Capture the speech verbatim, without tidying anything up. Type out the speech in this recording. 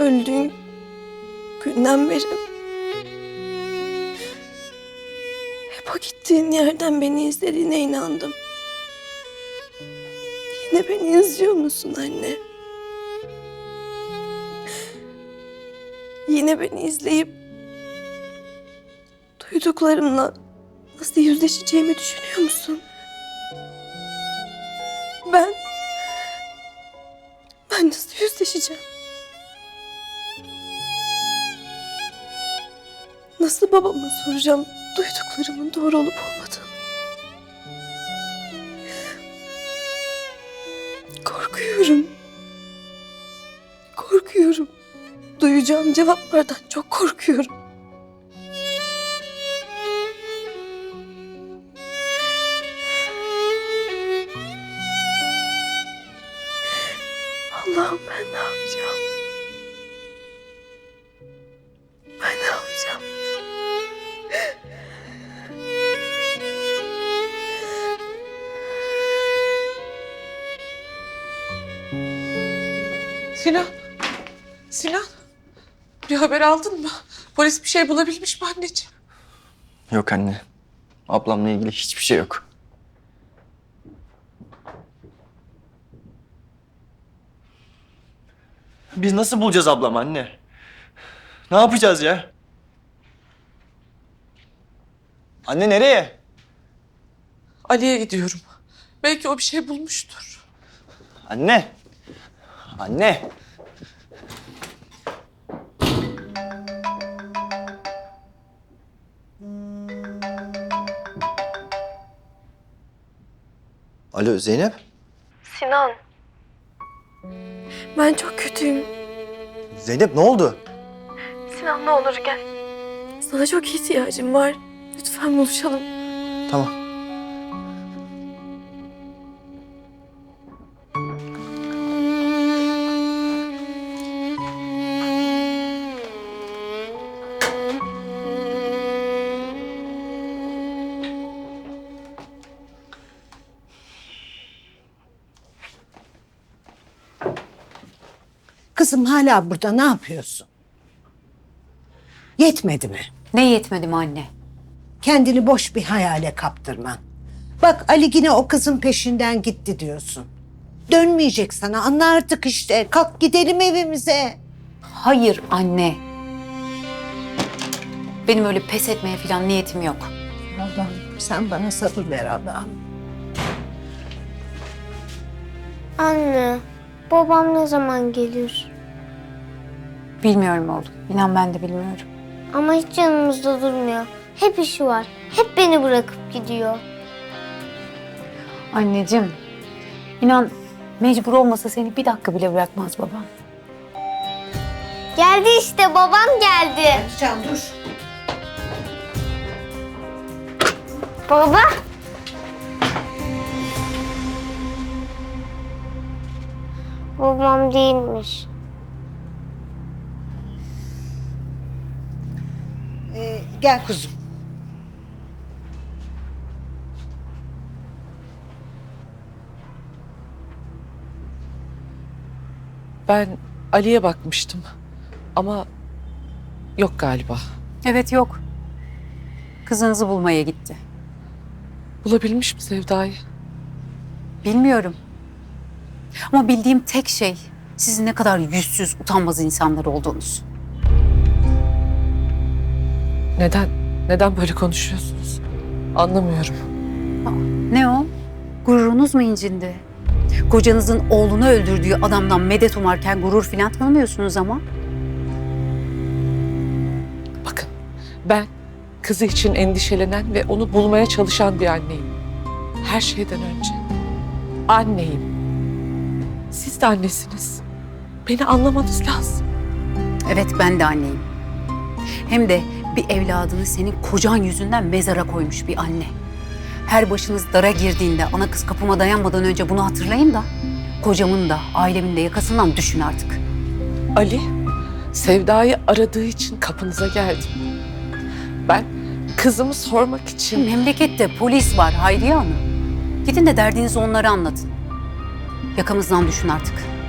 öldüğün günden beri hep o gittiğin yerden beni izlediğine inandım. Yine beni izliyor musun anne? Yine beni izleyip duyduklarımla nasıl yüzleşeceğimi düşünüyor musun? Ben... Ben nasıl yüzleşeceğim? Nasıl babama soracağım duyduklarımın doğru olup olmadığını? Korkuyorum. Korkuyorum. Duyacağım cevaplardan çok korkuyorum. Allah'ım ben ne yapacağım? Ben ne yapacağım? Sinan. Sinan. Bir haber aldın mı? Polis bir şey bulabilmiş mi anneciğim? Yok anne. Ablamla ilgili hiçbir şey yok. Biz nasıl bulacağız ablamı anne? Ne yapacağız ya? Anne nereye? Ali'ye gidiyorum. Belki o bir şey bulmuştur. Anne. Anne. Alo Zeynep. Sinan. Ben çok kötüyüm. Zeynep ne oldu? Sinan ne olur gel. Sana çok ihtiyacım var. Lütfen buluşalım. Tamam. Kızım hala burada ne yapıyorsun? Yetmedi mi? Ne yetmedi mi anne? Kendini boş bir hayale kaptırman. Bak Ali yine o kızın peşinden gitti diyorsun. Dönmeyecek sana, anla artık işte. Kalk gidelim evimize. Hayır anne. Benim öyle pes etmeye falan niyetim yok. Allah'ım sen bana sabır ver Allah'ım. Anne, babam ne zaman gelir? Bilmiyorum oğlum. İnan ben de bilmiyorum. Ama hiç yanımızda durmuyor. Hep işi var. Hep beni bırakıp gidiyor. Anneciğim, inan mecbur olmasa seni bir dakika bile bırakmaz babam. Geldi işte, babam geldi. Can dur. Baba. Babam değilmiş. Ee, gel kuzum. Ben Ali'ye bakmıştım. Ama yok galiba. Evet yok. Kızınızı bulmaya gitti. Bulabilmiş mi Sevda'yı? Bilmiyorum. Ama bildiğim tek şey sizin ne kadar yüzsüz, utanmaz insanlar olduğunuz. Neden? Neden böyle konuşuyorsunuz? Anlamıyorum. Ne o? Gururunuz mu incindi? Kocanızın oğlunu öldürdüğü adamdan medet umarken gurur filan tanımıyorsunuz ama. Bakın, ben kızı için endişelenen ve onu bulmaya çalışan bir anneyim. Her şeyden önce anneyim. Siz de annesiniz. Beni anlamanız lazım. Evet ben de anneyim. Hem de bir evladını senin kocan yüzünden mezara koymuş bir anne. Her başınız dara girdiğinde ana kız kapıma dayanmadan önce bunu hatırlayın da kocamın da ailemin de yakasından düşün artık. Ali, Sevda'yı aradığı için kapınıza geldim. Ben kızımı sormak için... Memlekette polis var Hayriye Hanım. Gidin de derdinizi onlara anlatın. Yakamızdan düşün artık.